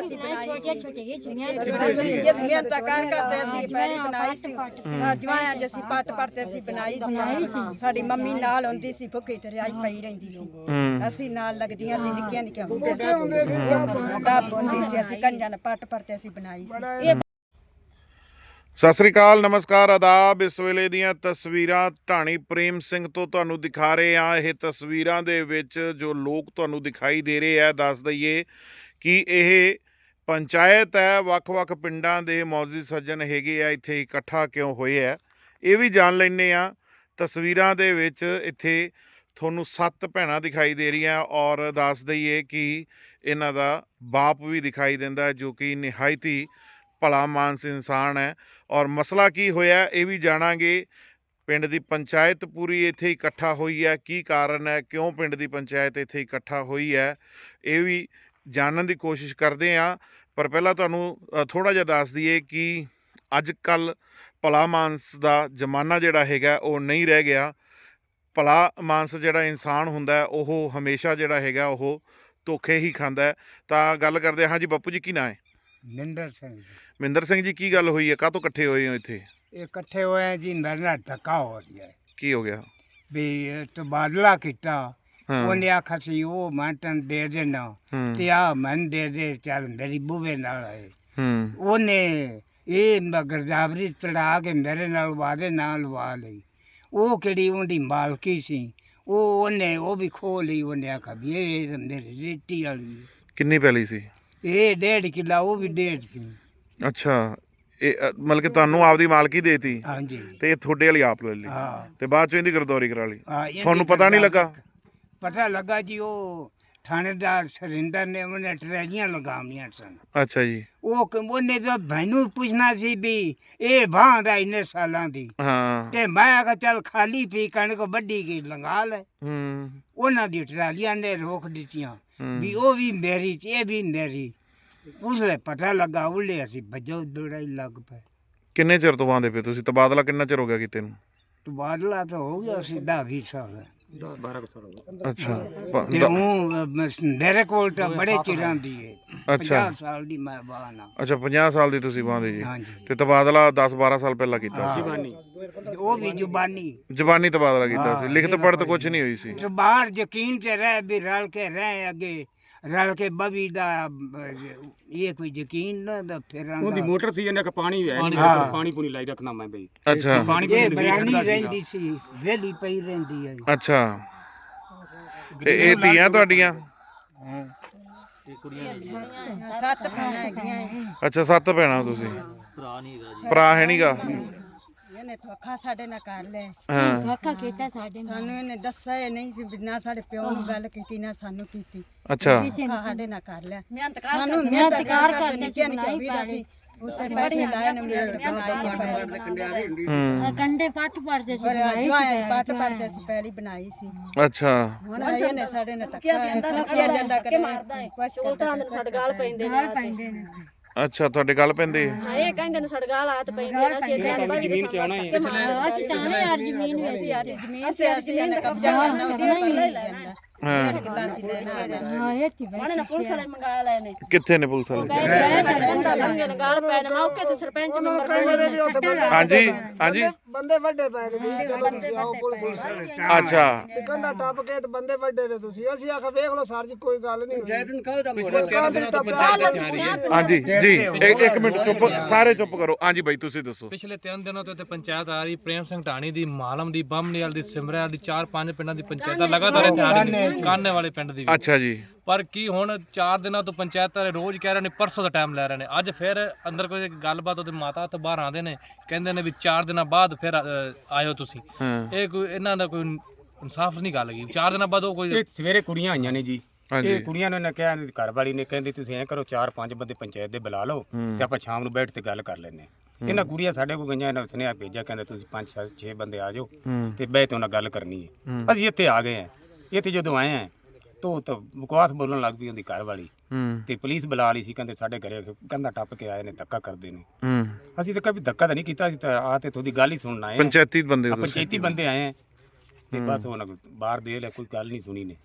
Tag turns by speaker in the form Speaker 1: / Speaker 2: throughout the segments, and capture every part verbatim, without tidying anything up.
Speaker 1: ਅਸੀਂ ਬਣਾਈ ਸੀ ਜਿਸ ਮਿਹਨਤ ਕਰ ਕਰਦੇ ਅਸੀਂ ਪਹਿਲੀ ਬਣਾਈ ਸੀ ਜਵਾਂ ਅੱਜ ਅਸੀਂ ਪੱਟ ਪੱਟ ਅਸੀਂ ਬਣਾਈ ਸੀ ਸਾਡੀ ਮੰਮੀ ਨਾਲ ਹੁੰਦੀ ਸੀ ਭੁੱਖੀ ਤਰਿਆਈ ਪਈ ਰਹਿੰਦੀ ਸੀ ਅਸੀਂ ਨਾਲ ਲੱਗਦੀਆਂ ਸੀ ਨਿੱਕੀਆਂ ਨਿੱਕੀਆਂ ਹੁੰਦੇ ਸੀ ਅਸੀਂ ਕੰਜਾਂ ਨਾਲ ਪੱਟ ਪੱਟ ਅਸੀਂ ਬਣਾਈ ਸੀ।
Speaker 2: ਸਤਿ ਸ੍ਰੀ ਅਕਾਲ, ਨਮਸਕਾਰ, ਆਦਾਬ। ਇਸ ਵੇਲੇ ਦੀਆਂ ਤਸਵੀਰਾਂ ਢਾਣੀ ਪ੍ਰੇਮ ਸਿੰਘ ਤੋਂ ਤੁਹਾਨੂੰ ਦਿਖਾ ਰਹੇ ਹਾਂ। ਇਹ ਤਸਵੀਰਾਂ ਦੇ ਵਿੱਚ ਜੋ ਲੋਕ ਤੁਹਾਨੂੰ ਦਿਖਾਈ ਦੇ ਰਹੇ ਆ, ਦੱਸ ਦਈਏ ਕਿ ਇਹ ਪੰਚਾਇਤ ਹੈ। ਵੱਖ-ਵੱਖ ਪਿੰਡਾਂ ਦੇ ਮੌਜੂਦ ਸੱਜਣ ਹੈਗੇ ਆ, ਇੱਥੇ ਇਕੱਠਾ ਕਿਉਂ ਹੋਏ ਆ ਇਹ ਵੀ ਜਾਣ ਲੈਂਦੇ ਆ। ਤਸਵੀਰਾਂ ਦੇ ਵਿੱਚ ਇੱਥੇ ਤੁਹਾਨੂੰ ਸੱਤ ਭੈਣਾਂ ਦਿਖਾਈ ਦੇ ਰਹੀਆਂ ਔਰ ਦੱਸ ਦਈਏ ਕਿ ਇਹਨਾਂ ਦਾ ਬਾਪ ਵੀ ਦਿਖਾਈ ਦਿੰਦਾ ਜੋ ਕਿ ਨਿਹਾਇਤ ਹੀ ਭਲਾ ਮਾਨਸ ਇਨਸਾਨ ਹੈ। ਔਰ ਮਸਲਾ ਕੀ ਹੋਇਆ ਇਹ ਵੀ ਜਾਣਾਂਗੇ। ਪਿੰਡ ਦੀ ਪੰਚਾਇਤ ਪੂਰੀ ਇੱਥੇ ਇਕੱਠਾ ਹੋਈ ਹੈ, ਕੀ ਕਾਰਨ ਹੈ, ਕਿਉਂ ਪਿੰਡ ਦੀ ਪੰਚਾਇਤ ਇੱਥੇ ਇਕੱਠਾ ਹੋਈ ਹੈ, ਇਹ ਵੀ ਜਾਣਨ ਦੀ ਕੋਸ਼ਿਸ਼ ਕਰਦੇ ਹਾਂ। ਪਰ ਪਹਿਲਾਂ ਤੁਹਾਨੂੰ ਥੋੜ੍ਹਾ ਜਿਹਾ ਦੱਸ ਦਈਏ ਕਿ ਅੱਜ ਕੱਲ੍ਹ ਭਲਾ ਮਾਨਸ ਦਾ ਜ਼ਮਾਨਾ ਜਿਹੜਾ ਹੈਗਾ ਉਹ ਨਹੀਂ ਰਹਿ ਗਿਆ। ਭਲਾ ਮਾਨਸ ਜਿਹੜਾ ਇਨਸਾਨ ਹੁੰਦਾ ਉਹ ਹਮੇਸ਼ਾ ਜਿਹੜਾ ਹੈਗਾ ਉਹ ਧੋਖੇ ਹੀ ਖਾਂਦਾ। ਤਾਂ ਗੱਲ ਕਰਦੇ ਹਾਂ ਜੀ। ਬਾਪੂ ਜੀ ਕੀ ਨਾਂ ਹੈ?
Speaker 3: ਮਿੰਦਰ ਸਿੰਘ ਜੀ।
Speaker 2: ਮਿੰਦਰ ਸਿੰਘ ਜੀ, ਕੀ ਗੱਲ ਹੋਈ ਹੈ, ਕਾਹਤੋਂ ਇਕੱਠੇ ਹੋਏ ਹੋ ਇੱਥੇ?
Speaker 3: ਇਹ ਇਕੱਠੇ ਹੋਏ ਜੀ, ਮੇਰੇ ਨਾਲ ਧੱਕਾ ਹੋ ਰਿਹਾ ਹੈ
Speaker 2: ਕੀ ਹੋ ਗਿਆ?
Speaker 3: ਵੀ ਤਬਾਦਲਾ ਕੀਤਾ।
Speaker 2: ਹਾਂ।
Speaker 3: ਉਹਨੇ ਆਖਿਆ ਸੀ ਉਹ ਮੈਂ ਤੈਨੂੰ ਦੇ ਦੇਣਾ
Speaker 2: ਹੂੰ
Speaker 3: ਤੇ ਆ ਮੈਨੂੰ ਦੇ ਦੇ, ਚੱਲ ਮੇਰੀ ਬੂਵੇ ਨਾਲ ਆਏ।
Speaker 2: ਹੂੰ
Speaker 3: ਉਹਨੇ ਇਹ ਗਰਦਾਵਰੀ ਚੜਾ ਕੇ ਮੇਰੇ ਨਾਲ ਵਾਦੇ ਨਾਲ ਲਵਾ ਲਈ। ਉਹ ਕਿਹੜੀ ਉਹਦੀ ਮਾਲਕੀ ਸੀ, ਉਹ ਉਹਨੇ ਉਹ ਵੀ ਖੋਹ ਲਈ। ਉਹਨੇ ਆਖਿਆ ਵੀ ਇਹ ਮੇਰੀ ਰੇਟੀ ਵਾਲੀ।
Speaker 2: ਕਿੰਨੀ ਪੈਲੀ ਸੀ?
Speaker 3: ਇਹ ਡੇਢ ਕਿੱਲਾ, ਉਹ ਵੀ ਡੇਢ ਸੀ।
Speaker 2: ਅੱਛਾ, ਇਹ ਅ, ਮਤਲਬ ਕਿ ਤੁਹਾਨੂੰ ਆਪਦੀ ਮਾਲਕੀ ਦੇਤੀ
Speaker 3: ਹਾਂਜੀ
Speaker 2: ਤੇ ਇਹ ਤੁਹਾਡੇ ਵਾਲੀ ਆਪ ਲੈ ਲਈ
Speaker 3: ਹਾਂ।
Speaker 2: ਤੇ ਬਾਅਦ ਚੋਂ ਇਹਦੀ ਗਰਦੌਰੀ ਕਰਾ ਲਈ।
Speaker 3: ਹਾਂ, ਇਹਦੀ
Speaker 2: ਤੁਹਾਨੂੰ ਪਤਾ ਨਹੀਂ ਲੱਗਾ?
Speaker 3: ਪਤਾ ਲੱਗਾ ਜੀ, ਉਹ ਥਾਣੇਦਾਰ ਸਰਿੰਦਰ ਨੇ ਉਹਨੇ ਟਰੈਲੀਆਂ ਲਗਾਉਣੀਆਂ ਸਨ।
Speaker 2: ਅੱਛਾ ਜੀ।
Speaker 3: ਉਹ ਕ- ਉਹਨੇ ਤਾਂ ਮੈਨੂੰ ਪੁੱਛਣਾ ਸੀ ਵੀ ਇਹ ਬਾਂਹ ਦਾ ਇੰਨੇ ਸਾਲਾਂ ਦੀ,
Speaker 2: ਹਾਂ।
Speaker 3: ਤੇ ਮੈਂ ਆਖਿਆ ਚੱਲ ਖਾਲੀ ਪੀ ਕਣਕ ਵੱਢੀ ਗਈ ਲੰਗਾ ਲੈ।
Speaker 2: ਹੂੰ
Speaker 3: ਉਹਨਾਂ ਦੀ ਟਰਾਲੀਆਂ ਨੇ ਰੋਕ ਦਿੱਤੀਆਂ
Speaker 2: ਹੂੰ।
Speaker 3: ਵੀ ਉਹ ਵੀ ਮੇਰੀ ਤੇ ਇਹ ਵੀ ਮੇਰੀ। ਉਸ ਵੇਲੇ ਪਤਾ ਲੱਗਾ, ਉਲੇ ਅਸੀਂ ਭੱਜੋ ਦੌੜਾਈ ਲੱਗ ਪਏ।
Speaker 2: ਕਿੰਨੇ ਚਿਰ ਤੋਂ ਆਉਂਦੇ ਪਏ ਤੁਸੀਂ? ਤਬਾਦਲਾ ਕਿੰਨਾ ਚਿਰ ਹੋ ਗਿਆ ਕੀਤੇ ਨੂੰ?
Speaker 3: ਤਬਾਦਲਾ ਤਾਂ ਹੋ ਗਿਆ ਸੀ ਦਸ ਵੀਹ ਸਾਲ।
Speaker 2: ਅੱਛਾ ਪ-
Speaker 3: ਤੇ
Speaker 2: ਦ-
Speaker 3: ਉਹ ਮੇਰੇ ਕੋਲ ਤਾਂ ਬੜੇ ਚਿਰਾਂ ਦੀ ਹੈ।
Speaker 2: ਅੱਛਾ
Speaker 3: ਪੰਜਾਹ ਸਾਲ ਦੀ ਮੈਂ ਬਾਨਾ।
Speaker 2: ਅੱਛਾ, ਪੰਜਾਹ ਸਾਲ ਦੀ ਤੁਸੀਂ ਬਾਂਦੇ ਜੀ।
Speaker 3: ਹਾਂਜੀ।
Speaker 2: ਤੇ ਤਬਾਦਲਾ ਦਸ ਬਾਰਾਂ ਸਾਲ ਪਹਿਲਾਂ ਕੀਤਾ ਸੀ?
Speaker 3: ਉਹ ਵੀ ਜ਼ੁਬਾਨੀ
Speaker 2: ਜ਼ਬਾਨੀ ਤਬਾਦਲਾ ਕੀਤਾ ਸੀ, ਲਿਖਤ ਪੜ੍ਹਤ ਕੁਝ ਨਹੀਂ ਹੋਈ ਸੀ?
Speaker 3: ਤੇ ਬਾਹਰ ਯਕੀਨ ਤੇ ਰਹਿ ਵੀ ਰਲ ਕੇ ਰਹਿ, ਅੱਗੇ ਰਲ ਕੇ ਬਵੀ ਦਾ ਅਹ, ਇਹ ਕੋਈ ਯਕੀਨ ਨਾ ਦਾ ਫਿਰ
Speaker 4: ਉਹਦੀ ਮੋਟਰ ਸੀ, ਇਹਨੇ ਕਿ ਪਾਣੀ ਹੈ ਨਹੀਂ,
Speaker 3: ਹਾਂ।
Speaker 4: ਪਾਣੀ ਪੂਣੀ ਲਾਈ ਰੱਖਣਾ ਮੈਂ ਬਈ।
Speaker 2: ਅੱਛਾ
Speaker 4: ਪਾਣੀ
Speaker 3: ਇਹ
Speaker 4: ਪੂਣੀ
Speaker 3: ਬਰਾਨੀ
Speaker 4: ਨਹੀਂ
Speaker 3: ਰਹਿੰਦੀ ਸੀ, ਵੇਲੀ ਪਈ ਰਹਿੰਦੀ ਹੈ।
Speaker 2: ਅੱਛਾ, ਤੇ ਇਹ ਧੀਆਂ ਤੁਹਾਡੀਆਂ?
Speaker 1: ਸੱਤ ਭੈਣਾਂ ਹੈਗੀਆਂ।
Speaker 2: ਅੱਛਾ, ਸੱਤ ਭੈਣਾਂ ਤੁਸੀਂ? ਭਰਾ ਹੈ ਨਹੀਂਗਾ?
Speaker 1: ਇਹਨੇ ਧੋਖਾ ਸਾਡੇ ਨਾਲ ਕਰ ਲਿਆ।
Speaker 2: ਹਾਂ।
Speaker 5: ਧੋਖਾ ਕੀਤਾ ਸਾਡੇ ਨਾਲ।
Speaker 1: ਸਾਨੂੰ ਇਹਨੇ ਦੱਸਿਆ ਹੀ ਨਹੀਂ ਸੀ ਵੀ ਨਾ ਸਾਡੇ ਪਿਓ ਨੂੰ ਗੱਲ ਕੀਤੀ ਨਾ ਸਾਨੂੰ ਕੀਤੀ।
Speaker 2: ਅੱਛਾ
Speaker 1: ਧੋਖਾ ਸਾਡੇ ਨਾਲ ਕਰ ਲਿਆ।
Speaker 5: ਮਿਹਨਤ
Speaker 1: ਸਾਨੂੰ
Speaker 5: ਮਿਹਨਤ ਕਾਰ ਕਰਦੇ
Speaker 1: ਨਿੱਕੀਆਂ ਨਿੱਕੀਆਂ ਵੀਰਾਂ ਸੀ, ਉੱਤੇ ਪੈਸੇ ਲਾਏ ਨੇ ਮਿਹਨਤ ਬਣਾਈ।
Speaker 2: ਹੂੰ
Speaker 5: ਕੰਡੇ ਪੱਟ ਪੜਦੇ ਸੀ
Speaker 1: ਪਰ
Speaker 5: ਬਣਾਈ ਸੀ
Speaker 1: ਜਵਾਏ ਪੱਟ ਪੱਟਦੇ ਸੀ, ਪਹਿਲੀ ਬਣਾਈ ਸੀ।
Speaker 2: ਅੱਛਾ
Speaker 1: ਹੁਣ ਇਹਨੇ ਸਾਡੇ ਨਾਲ ਧੱਕਾ ਧੱਕਾ ਜਾਂਦਾ ਕਰੇ ਕੁਛ ਕਰਦਾ
Speaker 6: ਸਾਡੇ ਗਾਲ ਪੈਂਦੇ
Speaker 5: ਨਾਲ ਪੈਂਦੇ ਨੇ।
Speaker 2: ਅੱਛਾ, ਤੁਹਾਡੇ ਗੱਲ ਪੈਂਦੇ?
Speaker 6: ਇਹ ਕਹਿੰਦੇ ਨੇ ਸਾਡੇ ਗਾਲ ਆਤ ਪੈਂਦੇ ਨੇ, ਅਸੀਂ ਇੱਥੇ ਬਾਈ
Speaker 4: ਜ਼ਮੀਨ ਚ ਆਉਣਾ ਹੀ ਹੈ।
Speaker 5: ਅਸੀਂ ਤਾਂ ਨੇ ਯਾਰ ਜ਼ਮੀਨ ਵਿੱਚ
Speaker 1: ਜ਼ਮੀਨ ਸੇ ਅਸੀਂ ਇਹਨੇ ਕਬਜ਼ਾ ਕਰਨਾ ਸੀ, ਪਹਿਲਾਂ ਹੀ ਲੈਂਦਾ।
Speaker 2: ਹਾਂ।
Speaker 1: ਕਿੱਲਾ ਸੀ ਲੈਣਾ।
Speaker 5: ਹਾਂ ਇਹ ਤੀ ਬਈ
Speaker 6: ਉਹਨੇ ਨਾ ਪੁਲਿਸ ਵਾਲੇ ਮੰਗਾ ਲਏ ਨੇ।
Speaker 2: ਕਿੱਥੇ ਨੇ ਪੁਲਿਸ ਵਾਲੇ?
Speaker 6: ਬੰਦਾ ਸੰਗੇ ਨੇ ਗਾਲ ਪੈ ਨੇ ਮੌਕੇ ਤੇ ਸਰਪੰਚ ਮੈਂਬਰ
Speaker 2: ਹਾਂਜੀ ਹਾਂਜੀ।
Speaker 7: ਬੰਦੇ ਵੱਡੇ ਪੈ ਨੇ ਵੀ ਚਲੋ ਤੁਸੀਂ ਆਓ ਪੁਲਿਸ ਵਾਲੇ।
Speaker 2: ਅੱਛਾ
Speaker 7: ਕੰਧਾ ਟੱਪ ਕੇ ਤੇ ਬੰਦੇ ਵੱਡੇ ਨੇ ਤੁਸੀਂ। ਅਸੀਂ ਆਖਿਆ ਵੇਖ ਲਓ ਸਰ ਜੀ, ਕੋਈ ਗੱਲ ਨਹੀਂ
Speaker 2: ਹਾਂਜੀ ਜੀ। ਇੱਕ ਇੱਕ ਮਿੰਟ ਚੁੱਪ, ਸਾਰੇ ਚੁੱਪ ਕਰੋ। ਹਾਂਜੀ ਬਾਈ ਤੁਸੀਂ ਦੱਸੋ।
Speaker 8: ਪਿਛਲੇ ਤਿੰਨ ਦਿਨਾਂ ਤੋਂ ਇੱਥੇ ਪੰਚਾਇਤ ਆ ਰਹੀ, ਪ੍ਰੇਮ ਸਿੰਘ ਢਾਣੀ ਦੀ, ਮਾਲਮ ਦੀ, ਬੰਮਨੀਵਾਲ ਦੀ, ਸਿਮਰਿਆਂ ਦੀ, ਚਾਰ ਪੰਜ ਪਿੰਡਾਂ ਦੀ ਪੰਚਾਇਤਾਂ ਲਗਾਤਾਰ ਇੱਥੇ ਆ ਰਹੀਆਂ ਨੇ, ਕਾਨੇ ਵਾਲੇ ਪਿੰਡ ਦੀ ਵੀ।
Speaker 2: ਅੱਛਾ ਜੀ।
Speaker 8: ਪਰ ਕੀ ਹੁਣ ਚਾਰ ਦਿਨਾਂ ਤੋਂ ਪੰਚਾਇਤਾਂ ਦੇ ਰੋਜ਼ ਕਹਿ ਰਹੇ ਨੇ, ਪਰਸੋਂ ਦਾ ਟਾਈਮ ਲੈ ਰਹੇ ਨੇ। ਅੱਜ ਫਿਰ ਅੰਦਰ ਕੋਈ ਗੱਲਬਾਤ, ਉਹਦੇ ਮਾਤਾ ਉੱਥੇ ਬਾਹਰ ਆਉਂਦੇ ਨੇ, ਕਹਿੰਦੇ ਨੇ ਵੀ ਚਾਰ ਦਿਨਾਂ ਬਾਅਦ ਫਿਰ ਅ, ਆਇਓ ਤੁਸੀਂ।
Speaker 2: ਹਾਂ।
Speaker 8: ਇਹ ਕੋਈ ਇਹਨਾਂ ਦਾ ਕੋਈ ਇਨਸਾਫ ਨਹੀਂ ਗੱਲ ਗਈ। ਚਾਰ ਦਿਨਾਂ ਬਾਅਦ ਉਹ ਕੋਈ
Speaker 4: ਇਹ ਸਵੇਰੇ ਕੁੜੀਆਂ ਆਈਆਂ ਨੇ ਜੀ।
Speaker 2: ਹਾਂਜੀ।
Speaker 4: ਇਹ ਕੁੜੀਆਂ ਨੂੰ ਇਹਨੇ ਕਿਹਾ, ਘਰ ਵਾਲੀ ਨੇ ਕਹਿੰਦੀ ਤੁਸੀਂ ਐਂ ਕਰੋ, ਚਾਰ ਪੰਜ ਬੰਦੇ ਪੰਚਾਇਤ ਦੇ ਬੁਲਾ ਲਓ ਤੇ ਆਪਾਂ ਸ਼ਾਮ ਨੂੰ ਬੈਠ ਤੇ ਗੱਲ ਕਰ ਲੈਂਦੇ ਹਾਂ। ਇਹਨਾਂ ਕੁੜੀਆਂ ਸਾਡੇ ਕੋਲ ਗਈਆਂ, ਇਹਨਾਂ ਸੁਨੇਹਾ ਭੇਜਿਆ, ਕਹਿੰਦੇ ਤੁਸੀਂ ਪੰਜ ਸੱਤ ਛੇ ਬੰਦੇ ਆ ਜਾਓ ਤੇ ਬਹਿ ਤੇ ਉਹਨਾਂ ਗੱਲ ਕਰਨੀ ਹੈ। ਅਸੀਂ ਇੱਥੇ ਆ ਗਏ ਹਾਂ। ਇੱਥੇ ਜਦੋਂ ਆਏ ਹਾਂ ਤੋ ਤਾਂ ਬਕਵਾਸ ਬੋਲਣ ਲੱਗ ਪਈ ਉਹਦੀ ਘਰ ਵਾਲੀ।
Speaker 2: ਹੂੰ
Speaker 4: ਤੇ ਪੁਲਿਸ ਬੁਲਾ ਲਈ ਸੀ, ਕਹਿੰਦੇ ਸਾਡੇ ਘਰੇ ਕੰਧਾ ਟੱਪ ਕੇ ਆਏ ਨੇ, ਧੱਕਾ ਕਰਦੇ ਨੇ।
Speaker 2: ਹੂੰ।
Speaker 4: ਅਸੀਂ ਤਾਂ ਕਦੇ ਧੱਕਾ ਤਾਂ ਨਹੀਂ ਕੀਤਾ, ਅਸੀਂ ਤਾਂ ਆ ਤੇ ਤੁਹਾਡੀ ਗੱਲ ਹੀ ਸੁਣਨ ਆਏ ਹਾਂ।
Speaker 2: ਪੰਚਾਇਤੀ ਬੰਦੇ ਹੋ ਤੁਸੀਂ?
Speaker 4: ਪੰਚਾਇਤੀ ਬੰਦੇ ਆਏ ਆ ਤੇ ਬਸ ਉਹਨਾਂ ਬਾਹਰ ਦੇ ਲੈ, ਕੋਈ ਗੱਲ ਨਹੀਂ ਸੁਣੀ ਨੇ।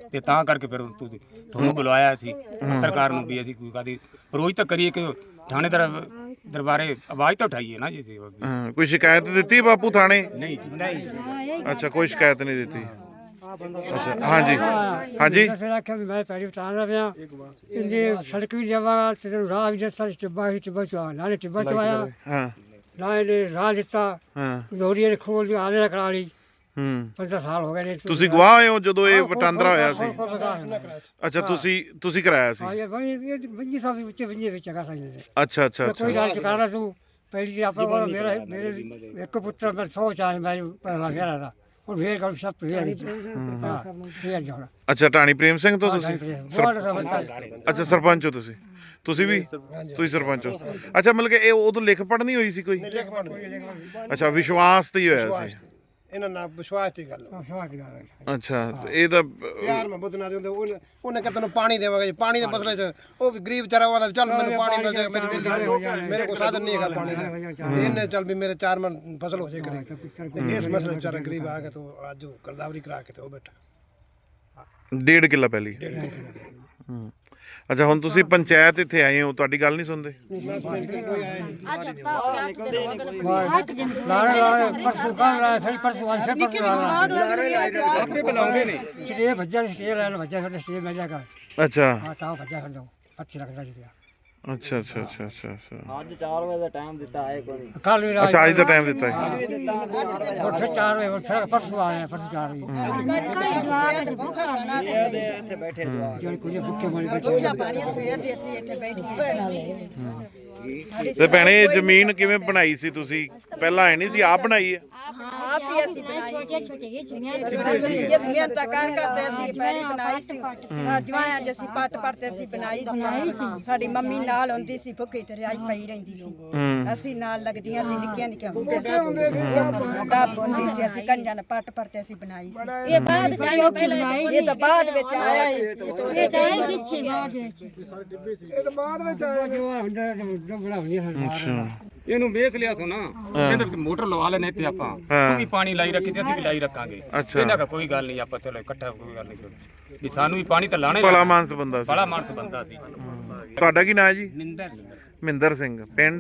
Speaker 4: ਤੇ ਤਾਂ ਕਰਕੇ ਫਿਰ ਤੁਸੀਂ ਤੁਹਾਨੂੰ ਬੁਲਾਇਆ ਸੀ ਪੱਤਰਕਾਰ ਨੂੰ ਵੀ ਅਸੀਂ ਕੋਈ ਕਾਦੀ ਰੋਜ਼ ਤਾਂ ਕਰੀਏ ਕਿ ਥਾਣੇਦਾਰ ਦਰਬਾਰੇ ਆਵਾਜ਼ ਤਾਂ ਉਠਾਈਏ ਨਾ ਜੀ ਅਸੀਂ।
Speaker 2: ਹਾਂ, ਕੋਈ ਸ਼ਿਕਾਇਤ ਦਿੱਤੀ ਬਾਪੂ ਥਾਣੇ?
Speaker 4: ਨਹੀਂ ਜੀ
Speaker 2: ਅੱਛਾ, ਕੋਈ ਸ਼ਿਕਾਇਤ ਨਹੀਂ ਦਿੱਤੀ। ਅੱਛਾ, ਹਾਂਜੀ ਹਾਂਜੀ।
Speaker 9: ਅਸੀਂ ਆਖਿਆ ਵੀ ਮੈਂ ਪੈਰੀ ਉਤਾਰਦਾ ਪਿਆ ਇਹਨੇ ਸੜਕ ਵੀ ਜਾਵਾ ਤੇ ਰਾਹ ਵੀ ਜਿਸ ਤਰ੍ਹਾਂ ਟਿੱਬਾ ਹੀ ਟਿੱਬਾ ਚਵਾ ਨਾਲੇ ਟਿੱਬਾ ਚਵਾਇਆ
Speaker 2: ਹਾਂ
Speaker 9: ਨਾ ਇਹਨੇ ਰਾਹ ਦਿੱਤਾ
Speaker 2: ਹਾਂ
Speaker 9: ਲੋਰੀਏ ਨੇ ਖੋਲ ਦੀ ਆਲੇ ਕਰਾ ਲਈ।
Speaker 2: ਹੂੰ,
Speaker 9: ਪੰਦਰਾਂ ਸਾਲ ਹੋ ਗਏ ਨੇ।
Speaker 2: ਤੁਸੀਂ ਗਵਾਹ ਹੋਏ ਹੋ ਜਦੋਂ ਇਹ ਵਟਾਂਦਰਾ ਹੋਇਆ ਸੀ? ਅੱਛਾ, ਤੁਸੀਂ ਤੁਸੀਂ ਕਰਾਇਆ ਸੀ?
Speaker 9: ਹਾਂ ਇਹ ਬਈ ਬੰਜੀ ਸਾਹਿਬ ਵਿੱਚ ਬੰਜੀ ਵਿੱਚ ਹੈਗਾ ਸਾਈਂ ਦੇ
Speaker 2: ਅੱਛਾ ਅੱਛਾ ਅੱਛਾ।
Speaker 9: ਕੋਈ ਰਾਜ ਚਕਾਰਾ ਤੂੰ ਪਹਿਲੀ ਆਪਣਾ ਕੋਲ ਮੇਰਾ ਮੇਰੇ ਇੱਕ ਪੁੱਤਰ ਮੈਂ ਸੌ ਚਾਹ ਮੈਂ ਪਹਿਲਾਂ ਗਿਆ ਦਾ ਹੁਣ ਫੇਰ ਗੱਲ ਸਭ ਫੇਰ ਨਹੀਂ ਹਾਂ ਫੇਰ ਜਾਣਾ।
Speaker 2: ਅੱਛਾ, ਢਾਣੀ ਪ੍ਰੇਮ ਸਿੰਘ ਤੋਂ ਤੁਸੀਂ?
Speaker 9: ਬਹੁਤ ਸਮਝਦਾ।
Speaker 2: ਅੱਛਾ, ਸਰਪੰਚ ਹੋ ਤੁਸੀਂ? ਤੁਸੀਂ ਵੀ ਤੁਸੀਂ ਸਰਪੰਚ ਹੋ? ਅੱਛਾ, ਮਤਲਬ ਕਿ ਇਹ ਉਦੋਂ ਲਿਖ ਪੜ੍ਹਨੀ ਹੋਈ ਸੀ ਕੋਈ? ਅੱਛਾ, ਵਿਸ਼ਵਾਸ ਤੇ ਹੀ ਹੋਇਆ ਸੀ?
Speaker 7: ਇਹਨਾਂ ਨਾਲ ਵਿਸ਼ਵਾਸ ਦੀ ਗੱਲ
Speaker 2: ਅੱਛਾ, ਤੇ ਇਹ ਤਾਂ
Speaker 7: ਯਾਰ ਮੈਂ ਬੁੱਧਨਾ ਦੇ ਉਹਨੇ ਉਹਨੇ ਕਿ ਤੈਨੂੰ ਪਾਣੀ ਦੇਵਾਂਗੇ ਪਾਣੀ ਦੇ ਮਸਲੇ 'ਚ ਉਹ ਵੀ ਗਰੀਬ ਵਿਚਾਰਾ ਉਹਦਾ ਚੱਲ ਮੈਨੂੰ ਪਾਣੀ ਮਿਲ ਜਾਏ ਮੇਰੀ ਦਿੱਲੀ ਮੇਰੇ ਕੋਲ ਸਾਧਨ ਨਹੀਂ ਹੈਗਾ ਪਾਣੀ ਦਾ ਇਹਨੇ ਚੱਲ ਵੀ ਮੇਰੇ ਚਾਰ ਮਨ ਫਸਲ ਹੋ ਜਾਏ ਕਰੇ ਇਸ ਮਸਲੇ ਵਿਚਾਰਾ ਗਰੀਬ ਆ ਕੇ ਤੂੰ ਅੱਜ ਗਰਦਾਵਰੀ ਕਰਾ ਕੇ ਤੇ ਉਹ ਬੈਠਾ
Speaker 2: ਡੇਢ ਕਿੱਲਾ ਪਹਿਲੀ। ਹੂੰ, ਅੱਛਾ, ਹੁਣ ਤੁਸੀਂ ਪੰਚਾਇਤ ਇੱਥੇ ਆਏ ਹੋ, ਤੁਹਾਡੀ ਗੱਲ ਨਹੀਂ ਸੁਣਦੇ?
Speaker 6: ਅੱਜ ਹਫਤਾ ਹੋ ਗਿਆ ਅੱਠ ਦਿਨ ਹੋ ਗਏ ਨੇ।
Speaker 9: ਲਾਰੇ ਲਾਰੇ ਪਰਸੋਂ ਕੱਲ ਲਾਰੇ ਫਿਰ ਪਰਸੋਂ ਅੱਜ ਫਿਰ ਪਰਸੋਂ ਲਾਰੇ
Speaker 4: ਆਪੇ ਬੁਲਾਉਂਦੇ ਨੇ।
Speaker 9: ਸਟੇ ਭੱਜਾ ਸਟੇ ਲੈ ਲੋ ਭੱਜਾ ਸਾਡੇ ਸਟੇ ਮਿਲ ਜਾਏਗਾ।
Speaker 2: ਅੱਛਾ
Speaker 9: ਹਾਂ ਤਾਂ ਭੱਜਾ ਕਰ ਦੋ ਅੱਛੀ ਲੱਗਦਾ ਜੀ।
Speaker 2: ਅੱਛਾ ਅੱਛਾ ਅੱਛਾ ਅੱਛਾ ਅੱਛਾ।
Speaker 10: ਅੱਜ ਚਾਰ ਵਜੇ ਦਾ ਟਾਈਮ ਦਿੱਤਾ ਆਏ ਕੋਈ
Speaker 9: ਕੱਲ ਵੀ ਰਾਤ
Speaker 2: ਅੱਛਾ, ਅੱਜ ਦਾ ਟਾਈਮ ਦਿੱਤਾ ਹੈ?
Speaker 9: ਹੋਰ ਫਿਰ ਚਾਰ ਵਜੇ ਫਿਰ ਪਰਸੋਂ ਆ ਰਹੇ ਪਰਸੋਂ ਚਾਰ ਵਜੇ
Speaker 10: ਇੱਥੇ ਬੈਠੇ ਜਵਾਕ
Speaker 9: ਜਿਹੜੇ ਕੁਝ ਭੁੱਖੇ ਮਰੇ ਬੈਠੇ
Speaker 1: ਰੋਟੀਆਂ ਪਾਣੀਆਂ ਸਵੇਰ ਦੇ ਅਸੀਂ ਇੱਥੇ ਬੈਠੇ
Speaker 2: ਤੇ ਭੈਣੇ, ਇਹ ਜ਼ਮੀਨ ਕਿਵੇਂ ਬਣਾਈ ਸੀ ਤੁਸੀਂ? ਪਹਿਲਾਂ ਐ ਨਹੀਂ ਸੀ, ਆਪ ਬਣਾਈ ਹੈ?
Speaker 1: ਹਾਂ ਆਪ ਹੀ ਅਸੀਂ ਬਣਾਈ
Speaker 5: ਛੋਟੇ ਛੋਟੇ ਜਿਹੇ ਚੁਣੀਆਂ
Speaker 1: ਜਿਸ ਮਿਹਨਤ ਕਰ ਕਰਦੇ ਅਸੀਂ ਪਹਿਲੀ ਬਣਾਈ ਸੀ। ਜਵਾਇਆ ਜਿ ਅਸੀਂ ਪੱਟ ਪੜਤੇ ਅਸੀਂ ਬਣਾਈ ਸੀ। ਸਾਡੀ ਮੰਮੀ ਨਾਲ ਹੁੰਦੀ ਸੀ, ਭੁੱਖੀ ਤਰਿਆਈ ਪਈ ਰਹਿੰਦੀ ਸੀ। ਅਸੀਂ ਨਾਲ ਲੱਗਦੀਆਂ ਸੀ, ਨਿੱਕੀਆਂ ਨਿੱਕੀਆਂ ਹੁੰਦੀਆਂ ਡੱਬ ਹੁੰਦੀ ਸੀ। ਅਸੀਂ ਕੰਜਾਂ ਨਾਲ ਪੱਟ ਪੜਤੇ ਅਸੀਂ ਬਣਾਈ ਸੀ।
Speaker 6: ਇਹ ਬਾਅਦ ਚਾਹੀਏ ਪਹਿਲਾਂ
Speaker 1: ਇਹ ਤਾਂ ਬਾਅਦ ਵਿੱਚ ਆਇਆ ਹੀ
Speaker 5: ਇਹ ਤਾਂ ਇਹ ਪਿੱਛੇ ਬਾਅਦ ਵਿੱਚ
Speaker 7: ਇਹ ਤਾਂ ਬਾਅਦ ਵਿੱਚ ਆਇਆ
Speaker 9: ਜੋ ਹੁੰਦਾ ਜੋ ਬਣਾਉਣੀ ਹੈ
Speaker 4: ਇਹਨੂੰ ਵੇਚ ਲਿਆ ਸੋ ਨਾ, ਕਹਿੰਦੇ ਵੀ ਮੋਟਰ ਲਵਾ ਲੈਣੇ ਤੇ ਆਪਾਂ ਤੂੰ ਵੀ ਪਾਣੀ ਲਾਈ ਰੱਖੀ ਤੇ ਅਸੀਂ ਵੀ ਲਾਈ ਰੱਖਾਂਗੇ। ਇਹਨਾਂ ਦਾ ਕੋਈ ਗੱਲ ਨਹੀਂ, ਆਪਾਂ ਚਲੋ ਇਕੱਠਾ ਕੋਈ ਗੱਲ ਨਹੀਂ ਵੀ ਸਾਨੂੰ ਵੀ ਪਾਣੀ ਤਾਂ ਲਾਣੇ।
Speaker 2: ਭਲਾ ਮਾਨਸ ਬੰਦਾ ਸੀ,
Speaker 4: ਬੜਾ ਮਾਨਸ ਬੰਦਾ ਸੀ।
Speaker 2: ਤੁਹਾਡਾ ਕੀ ਨਾਂ ਹੈ ਜੀ?
Speaker 3: ਮਿੰਦਰ
Speaker 2: ਮਹਿੰਦਰ ਸਿੰਘ। ਪਿੰਡ?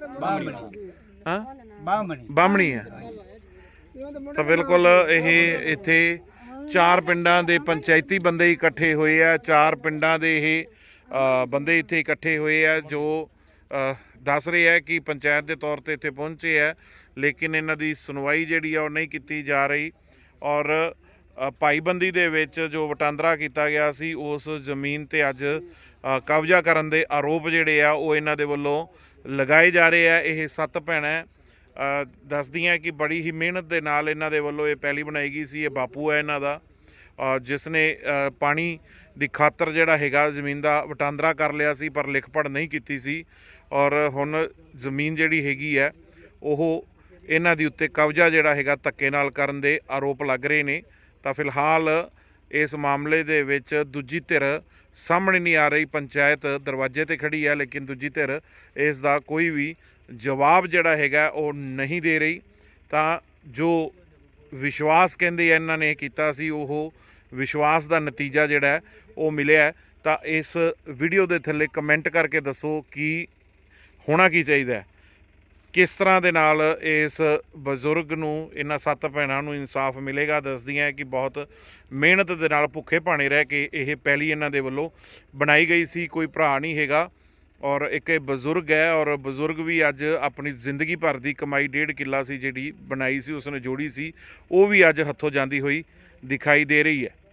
Speaker 2: ਹਾਂ,
Speaker 3: ਬਾਹਮਣੀ
Speaker 2: ਬਾਹਮਣੀ ਹੈ। ਤਾਂ ਬਿਲਕੁਲ ਇਹ ਇੱਥੇ ਚਾਰ ਪਿੰਡਾਂ ਦੇ ਪੰਚਾਇਤੀ ਬੰਦੇ ਇਕੱਠੇ ਹੋਏ ਆ। ਚਾਰ ਪਿੰਡਾਂ ਦੇ ਇਹ ਅ, ਬੰਦੇ ਇੱਥੇ ਇਕੱਠੇ ਹੋਏ ਆ ਜੋ ਅ, ਦੱਸ ਰਹੇ ਆ ਕਿ ਪੰਚਾਇਤ ਦੇ ਤੌਰ ਤੇ ਇੱਥੇ ਪਹੁੰਚੇ ਆ, ਲੇਕਿਨ ਇਹਨਾਂ ਦੀ ਸੁਣਵਾਈ ਜਿਹੜੀ ਆ ਉਹ ਨਹੀਂ ਕੀਤੀ ਜਾ ਰਹੀ। ਔਰ ਅ, ਭਾਈਬੰਦੀ ਦੇ ਵਿੱਚ ਜੋ ਵਟਾਂਦਰਾ ਕੀਤਾ ਗਿਆ ਸੀ ਉਸ ਜ਼ਮੀਨ ਤੇ ਅੱਜ ਅ, ਕਬਜ਼ਾ ਕਰਨ ਦੇ ਆਰੋਪ ਜਿਹੜੇ ਆ ਉਹ ਇਹਨਾਂ ਦੇ ਵੱਲੋਂ ਲਗਾਏ ਜਾ ਰਹੇ ਆ। ਇਹ ਸੱਤ ਭੈਣਾਂ ਅ, ਦੱਸਦੀਆਂ ਕਿ ਬੜੀ ਹੀ ਮਿਹਨਤ ਦੇ ਨਾਲ ਇਹਨਾਂ ਦੇ ਵੱਲੋਂ ਇਹ ਪੈਲੀ ਬਣਾਈ ਗਈ ਸੀ। ਇਹ ਬਾਪੂ ਹੈ ਇਹਨਾਂ ਦਾ, ਅ, ਜਿਸ ਨੇ ਅ, ਪਾਣੀ ਦੀ ਖਾਤਰ ਜਿਹੜਾ ਹੈਗਾ ਜ਼ਮੀਨ ਦਾ ਵਟਾਂਦਰਾ ਕਰ ਲਿਆ ਸੀ, ਪਰ ਲਿਖ ਪੜ੍ਹ ਨਹੀਂ ਕੀਤੀ ਸੀ। ਔਰ ਹੁਣ ਜ਼ਮੀਨ ਜਿਹੜੀ ਹੈਗੀ ਹੈ ਉਹ ਇਹਨਾਂ ਦੀ ਉੱਤੇ ਕਬਜ਼ਾ ਜਿਹੜਾ ਹੈਗਾ ਧੱਕੇ ਨਾਲ ਕਰਨ ਦੇ ਆਰੋਪ ਲੱਗ ਰਹੇ ਨੇ। ਤਾਂ ਫਿਲਹਾਲ ਇਸ ਮਾਮਲੇ ਦੇ ਵਿੱਚ ਦੂਜੀ ਧਿਰ ਸਾਹਮਣੇ ਨਹੀਂ ਆ ਰਹੀ। ਪੰਚਾਇਤ ਦਰਵਾਜ਼ੇ ਤੇ ਖੜੀ ਹੈ, ਲੇਕਿਨ ਦੂਜੀ ਧਿਰ ਇਸ ਦਾ ਕੋਈ ਵੀ ਜਵਾਬ ਜਿਹੜਾ ਹੈਗਾ ਉਹ ਨਹੀਂ ਦੇ ਰਹੀ। ਤਾਂ ਜੋ ਵਿਸ਼ਵਾਸ ਕਹਿੰਦੇ ਆ ਇਹਨਾਂ ਨੇ ਕੀਤਾ ਸੀ, ਉਹ ਵਿਸ਼ਵਾਸ ਦਾ ਨਤੀਜਾ ਜਿਹੜਾ ਹੈ ਉਹ ਮਿਲਿਆ। ਤਾਂ ਇਸ ਵੀਡੀਓ ਦੇ ਥੱਲੇ ਕਮੈਂਟ ਕਰਕੇ ਦੱਸੋ ਕਿ ਹੋਣਾ ਕੀ ਚਾਹੀਦਾ ਹੈ, ਕਿਸ ਤਰ੍ਹਾਂ ਦੇ ਨਾਲ ਇਸ ਬਜ਼ੁਰਗ ਨੂੰ, ਇਹਨਾਂ ਸੱਤ ਭੈਣਾਂ ਨੂੰ ਇਨਸਾਫ ਮਿਲੇਗਾ। ਦੱਸਦੀਆਂ ਕਿ ਬਹੁਤ ਮਿਹਨਤ ਦੇ ਨਾਲ ਭੁੱਖੇ ਭਾਣੇ ਰਹਿ ਕੇ ਇਹ ਪਹਿਲੀ ਇਹਨਾਂ ਦੇ ਵੱਲੋਂ ਬਣਾਈ ਗਈ ਸੀ। ਕੋਈ ਭਰਾ ਨਹੀਂ ਹੈਗਾ ਔਰ ਇੱਕ ਇਹ ਬਜ਼ੁਰਗ ਹੈ। ਔਰ ਬਜ਼ੁਰਗ ਵੀ ਅੱਜ ਆਪਣੀ ਜ਼ਿੰਦਗੀ ਭਰ ਦੀ ਕਮਾਈ ਡੇਢ ਕਿੱਲਾ ਸੀ ਜਿਹੜੀ ਬਣਾਈ ਸੀ, ਉਸਨੇ ਜੋੜੀ ਸੀ, ਉਹ ਵੀ ਅੱਜ ਹੱਥੋਂ ਜਾਂਦੀ ਹੋਈ ਦਿਖਾਈ ਦੇ ਰਹੀ ਹੈ।